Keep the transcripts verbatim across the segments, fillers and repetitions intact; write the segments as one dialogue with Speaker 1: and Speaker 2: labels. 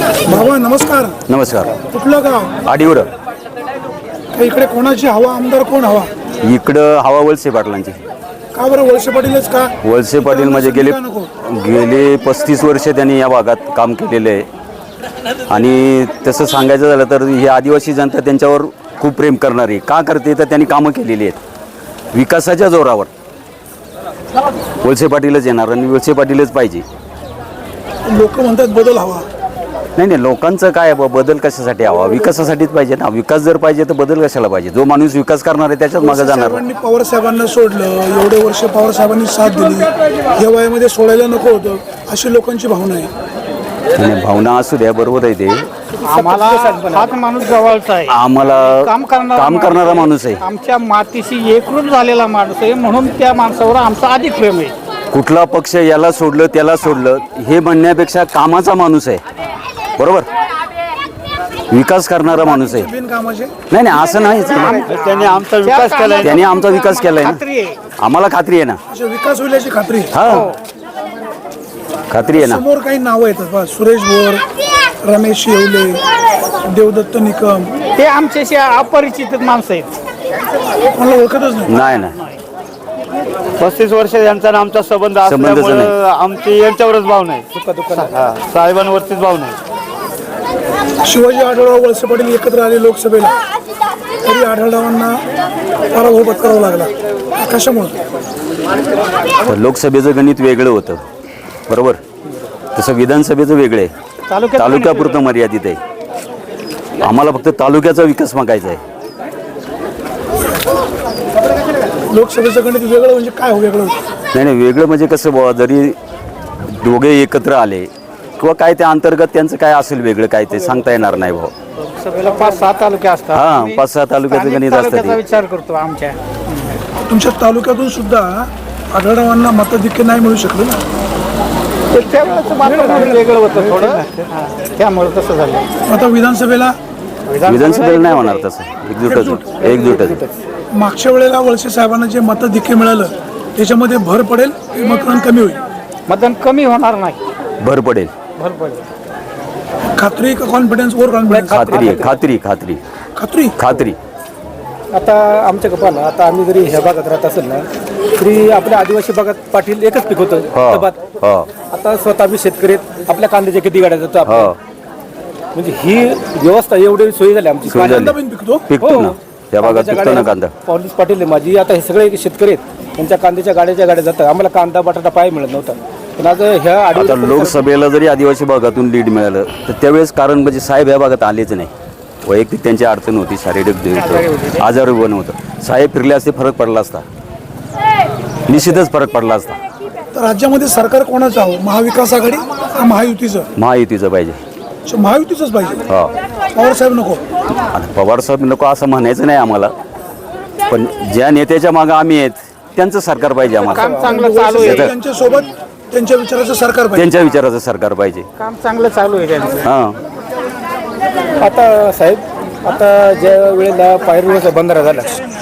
Speaker 1: बाबा नमस्कार.
Speaker 2: नमस्कार.
Speaker 1: कुठलं गाव?
Speaker 2: आडिवड.
Speaker 1: इकडे कोणाची हवा, आमदार कोण हवा?
Speaker 2: इकडं हवा वळसे पाटलांची.
Speaker 1: का बरं वळसे पाटीलच का?
Speaker 2: वळसे पाटील म्हणजे गेले गेले पस्तीस वर्ष त्यांनी या भागात काम केलेलं आहे आणि तसं सांगायचं झालं तर ही आदिवासी जनता त्यांच्यावर खूप प्रेम करणारी. का करते तर त्यांनी कामं केलेली आहेत विकासाच्या जोरावर. वळसे पाटीलच येणार आणि वळसे पाटीलच पाहिजे.
Speaker 1: लोक म्हणतात बदल हवा.
Speaker 2: नाही नाही लोकांचं काय आहे, बदल कशासाठी हवा? विकासासाठीच पाहिजे ना. विकास जर पाहिजे तर बदल कशाला पाहिजे? जो माणूस विकास करणार आहे त्याच्याच मागे जाणार.
Speaker 1: साहेबांनी पवार साहेबांना सोडलं, एवढे वर्ष पवार साहेबांनी साथ दिली, या वयामध्ये सोडायला नको होतं अशी लोकांची भावना आहे.
Speaker 2: आणि भावना असू द्या, बरोबर आहे ते.
Speaker 3: आम्हाला हाच माणूस जवळचा आहे.
Speaker 2: आम्हाला
Speaker 3: काम करणारा
Speaker 2: काम करणारा माणूस आहे.
Speaker 3: आमच्या मातीशी एकरूप झालेला माणूस आहे म्हणून त्या माणसावर आमचा अधिक प्रेम आहे.
Speaker 2: कुठला पक्ष याला सोडलं त्याला सोडलं हे म्हणण्यापेक्षा कामाचा माणूस आहे. बरोबर, विकास करणारा माणूस आहे.
Speaker 1: बिनकामाचे
Speaker 2: नाही नाही असं नाही.
Speaker 3: त्यांनी आमचा विकास केलाय.
Speaker 2: त्यांनी आमचा विकास केलाय
Speaker 3: खात्री आहे.
Speaker 2: ना. आम्हाला खात्री आहे ना.
Speaker 1: अशा विकास होईल याची खात्री आहे.
Speaker 2: हा खात्री आहे ना.
Speaker 1: समोर काही नावं येतात बा, सुरेश भोर, रमेश येवले, देवदत्त निकम.
Speaker 3: ते आमच्याशी अपरिचित माणसं आहेत.
Speaker 1: मला ओळखतच नाही.
Speaker 2: नाही नाही
Speaker 4: पस्तीस वर्ष यांचा आणि आमचा संबंध
Speaker 2: संबंधच
Speaker 4: असल्यामुळे आमची यांच्यावरच भाव नाही, साहेबांवरतीच भाव नाही.
Speaker 1: शिवाजी आढळराव वळसे पाटील एकत्र आले लोकसभेला, तरी आढळरावांना पराभव पत्करावा लागला. कशामुळे?
Speaker 2: तर लोकसभेचं गणित वेगळं होतं. बरोबर, तसं विधानसभेचं वेगळं आहे.
Speaker 3: तालुक्यात
Speaker 2: तालुक्यापुरतं मर्यादित आहे. आम्हाला फक्त तालुक्याचा विकास मागायचा आहे.
Speaker 1: लोकसभेचं गणित वेगळं म्हणजे काय हो वेगळं?
Speaker 2: नाही नाही वेगळं म्हणजे कसं बुवा, जरी दोघे एकत्र आले किंवा काय त्या अंतर्गत त्यांचं काय असेल वेगळं काय ते सांगता येणार नाही भाऊ.
Speaker 3: लोकसभेला पाच सहा तालुके असतात.
Speaker 2: हा, पाच सहा तालुक्याचं गणित असतं
Speaker 3: तालुक्याचा
Speaker 2: ते.
Speaker 3: विचार करतो आमच्या.
Speaker 1: तुमच्या तालुक्यातून सुद्धा आढळरावांना मताधिक्य नाही मिळू शकलं ना.
Speaker 3: ते त्यावेळेचं वातावरण वेगळं होतं थोडं. हा, त्यामुळे तसं झालं.
Speaker 1: आता विधानसभेला
Speaker 2: विधानसभेला नाही होणार तसं. एकजुटच एकजुटच
Speaker 1: मागच्या वेळेला वळसे साहेबांना जे मताधिक्य मिळालं त्याच्यामध्ये भर पडेल की मतदान कमी होईल?
Speaker 3: मतदान कमी होणार नाही,
Speaker 2: भर पडेल.
Speaker 3: भर पडेल.
Speaker 1: खात्री का कॉन्फिडन्स? Or confidence?
Speaker 2: खात्री आहे. खात्री खात्री
Speaker 1: खात्री
Speaker 2: खात्री
Speaker 5: आता आमच्या कपाला आता आम्ही जरी ह्या भागात राहत असेल ना तरी आपल्या आदिवासी भागात पाटील एकच पीक होतं टबात.
Speaker 2: हो
Speaker 5: आता स्वतः आम्ही शेतकरी आहेत, आपल्या कांद्याच्या किती गाड्या जातो आपण.
Speaker 2: हो
Speaker 5: म्हणजे ही व्यवस्था एवढी सोयी झाली आमची.
Speaker 2: सोय झाली.
Speaker 1: कांदा पण पिकतो.
Speaker 2: पिकतो ना त्या भागात,
Speaker 5: कांद्याच्या
Speaker 2: पिकतो ना
Speaker 5: गाड्या-
Speaker 2: कांदा.
Speaker 5: पॉलिस पाटील आहे माझी. आता हे सगळे शेतकरी आहेत, त्यांच्या कांद्याच्या गाड्याच्या गाड्या जातात. आम्हाला कांदा बटाटा पाय मिळत नव्हता. पण आज ह्या
Speaker 2: आता
Speaker 5: आदिवासी
Speaker 2: लोकसभेला जरी आदिवासी भागातून लीड मिळालं तर त्यावेळेस कारण म्हणजे साहेब ह्या भागात आलेच नाही. वैयक्तिक त्यांची अडचण होती, शारीरिक आजार पण होतं. साहेब फिरले असते फरक पडला असता, निश्चितच फरक पडला असता.
Speaker 1: तर राज्यामध्ये सरकार कोणाचं हवं? महाविकास आघाडी का महायुतीचं?
Speaker 2: महायुतीचं पाहिजे.
Speaker 1: अच्छा, महायुतीचंच पाहिजे.
Speaker 2: हो
Speaker 1: पवार साहेब नको?
Speaker 2: आता पवार साहेब नको असं म्हणायचं नाही आम्हाला, पण ज्या नेत्याच्या मागं आम्ही आहेत त्यांचं सरकार पाहिजे आम्हाला.
Speaker 3: काम चांगलं चालू आहे.
Speaker 1: त्यांच्या सोबत त्यांच्या विचाराचं सरकार पाहिजे.
Speaker 2: त्यांच्या विचाराचं सरकार पाहिजे.
Speaker 3: काम चांगलं चालू आहे त्यांचं.
Speaker 2: हां
Speaker 5: आता साहेब आता ज्या वेळेला पायरवेचा बंधारा झाला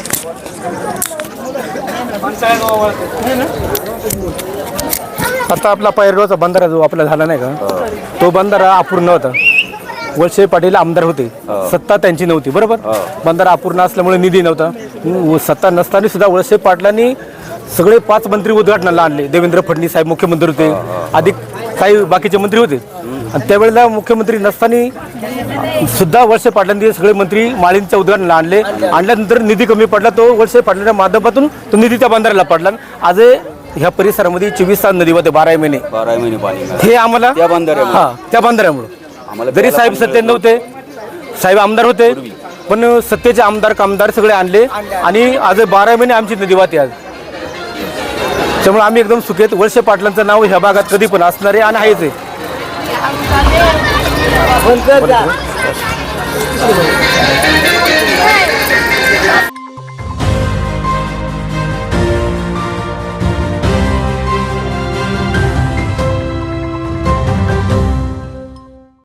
Speaker 5: आता आपला पायरगावचा बंधारा जो आपला झाला नाही का, तो बंधारा अपूर्ण होता. वळसे पाटील आमदार होते, सत्ता त्यांची नव्हती. बरोबर, बंधारा अपूर्ण असल्यामुळे निधी नव्हता. सत्ता नसताना सुद्धा वळसे पाटलांनी सगळे पाच मंत्री उद्घाटनाला आणले. देवेंद्र फडणवीस साहेब मुख्यमंत्री होते, अधिक काही बाकीचे मंत्री होते. आणि त्यावेळेला मुख्यमंत्री नसताना सुद्धा वळसे पाटलांनी सगळे मंत्री माळींच्या उद्घाटनाला आणले. आणल्यानंतर निधी कमी पडला, तो वळसे पाटलांच्या माध्यमातून तो निधी त्या बंधाऱ्याला पडला. आज ह्या परिसरामध्ये चोवीस तास नदी होते, बारा महिने
Speaker 2: बारा महिने पाणी.
Speaker 5: हे आम्हाला
Speaker 2: त्या बंधाऱ्यामुळे.
Speaker 5: हा त्या बंधाऱ्यामुळे जरी साहेब सत्तेत नव्हते, साहेब आमदार होते, पण सत्तेचे आमदार कामदार सगळे आणले आणि आज बारा महिने आमची नदी वाहते आज. त्यामुळे आम्ही एकदम सुखेत. वळसे पाटलांचं नाव ह्या भागात कधी पण असणार आहे आणि आहेच आहे.